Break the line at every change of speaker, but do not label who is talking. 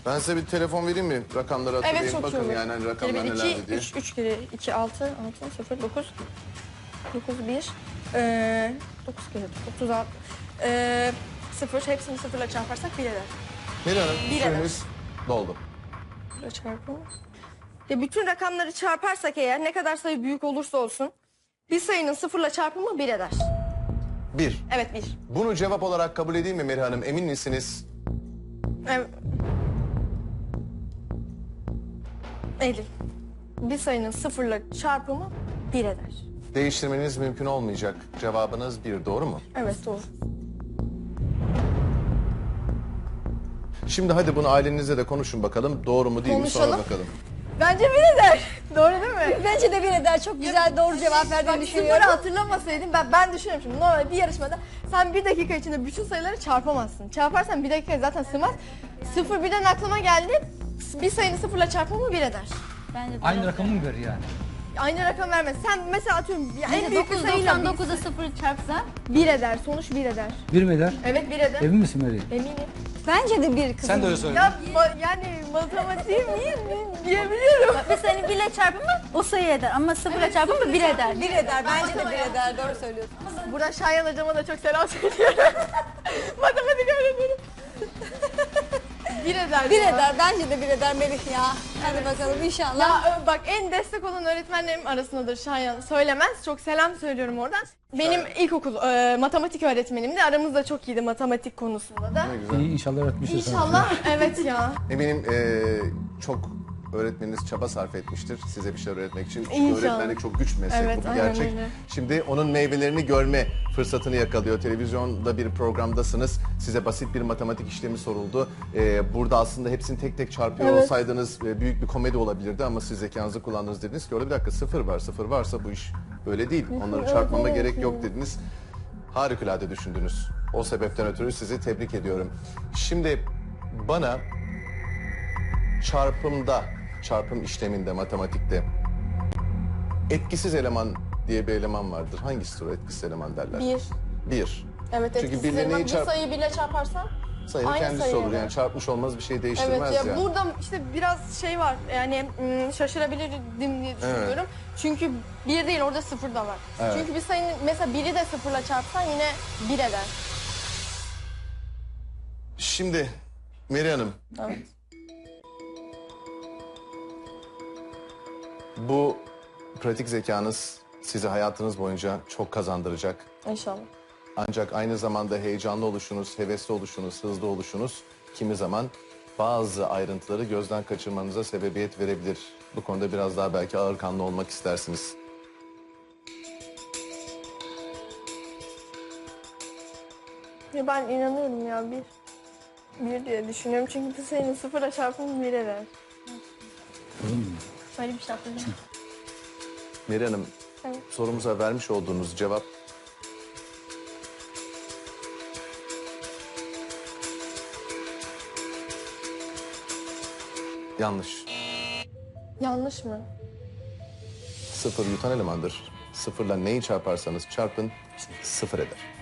Ben size bir telefon vereyim mi? Rakamları hatırlayın.
Evet, çok iyi
Bakın
olur.
yani hani rakamlar
Kere
nelerdi diye.
3 kere 2, 6, 0, 9, 9, 1, 9 kere 36, 0, hepsini sıfırla çarparsak 1 eder.
Meri Hanım,
Bir
süreniz doldu.
Sıfırla çarpalım. Ya bütün rakamları çarparsak eğer ne kadar sayı büyük olursa olsun bir sayının sıfırla çarpımı 1 eder.
1.
Evet 1.
Bunu cevap olarak kabul edeyim mi Meri Hanım? Emin misiniz?
Evet. Eylül. Bir sayının sıfırla çarpımı 1 eder.
Değiştirmeniz mümkün olmayacak. Cevabınız 1, doğru mu?
Evet doğru.
Şimdi hadi bunu ailenizle de konuşun bakalım. Doğru mu değil mi sonra
Konuşalım.
bakalım.
Bence 1 eder. Doğru değil mi?
Bence de bir eder. Çok güzel doğru cevap verdiğini
Bak
düşünüyorum.
sıfırı hatırlamasaydım ben düşünüyorum şimdi normal bir yarışmada sen 1 dakika içinde bütün sayıları çarpamazsın. Çarparsan 1 dakika zaten sığmaz. 0 birden aklıma geldi. Bir sayının sıfırla çarpımı 1 eder.
Bence de
Aynı rakamı mı veriyor yani?
Aynı rakam vermez. Sen mesela atıyorum en
Bence
büyük bir sayıyla
999'a 0 çarpsa
1 eder. Sonuç 1 eder.
Bir mi eder?
Evet 1 eder.
Emin misin Meri?
Eminim.
bence de bir kızım.
Sen de öyle söyle.
Ya yani matematiğim iyi diyebiliyorum.
Mesela hani 1 ile çarpımı o sayı eder ama 0 ile çarpımı 1 eder.
1 eder. Bence de 1 eder. Doğru söylüyorsun.
Buradan Şayan hocama da çok selam söylüyorum. Matematik öğretmenim. 1 eder.
1
ya.
eder. Bence de 1 eder Melih ya. Hadi bakalım inşallah.
Ya bak en destek olan öğretmenlerim arasındadır Şayan. Söylemez. Çok selam söylüyorum oradan. Benim ilkokul matematik öğretmenim de aramızda çok iyiydi matematik konusunda da.
Ne güzel.
İyi inşallah öğretmiştir sana.
İnşallah evet ya.
Eminim çok öğretmeniniz çaba sarf etmiştir size bir şeyler öğretmek için. Çünkü
İnşallah.
öğretmenlik çok güç bir meslek,
Evet,
bu bir
aynen
gerçek.
öyle.
Şimdi onun meyvelerini görme fırsatını yakalıyor. Televizyonda bir programdasınız. Size basit bir matematik işlemi soruldu. Burada aslında hepsini tek tek çarpıyor
Evet.
olsaydınız büyük bir komedi olabilirdi ama siz zekanızı kullandınız, dediniz ki orada bir dakika sıfır var. Sıfır varsa bu iş böyle değil. Onları çarpmama gerek yok dediniz. Harikulade düşündünüz. O sebepten ötürü sizi tebrik ediyorum. Şimdi bana çarpım işleminde, matematikte etkisiz eleman diye bir eleman vardır. Hangisidir o etkisiz eleman derler?
1.
Bir.
Evet
Çünkü
etkisiz
birileri
eleman.
neyi
Bir
çarp-
sayıyı birle çarparsan
Sayının
aynı
kendisi
sayı
olur.
eder.
Yani çarpmış olmaz bir şey değiştirmez
Evet ya
ya.
burada işte biraz şey var yani şaşırabilirdim diye düşünüyorum. Çünkü 1 değil orada 0 da var.
Evet.
Çünkü bir sayının mesela 1'i de 0'la çarpsan yine 1 eder.
Şimdi Meri Hanım,
Evet.
bu pratik zekanız sizi hayatınız boyunca çok kazandıracak.
İnşallah.
Ancak aynı zamanda heyecanlı oluşunuz, hevesli oluşunuz, hızlı oluşunuz kimi zaman bazı ayrıntıları gözden kaçırmanıza sebebiyet verebilir. Bu konuda biraz daha belki ağırkanlı olmak istersiniz.
Ya ben inanıyorum ya 1 diye düşünüyorum çünkü bir sayının 0'la çarpımı 1 eder. Böyle bir şey yapacağım.
Meri Hanım,
Evet.
sorumuza vermiş olduğunuz cevap yanlış.
Yanlış mı?
Sıfır yutan elemandır. Sıfırla neyi çarparsanız çarpın sıfır eder.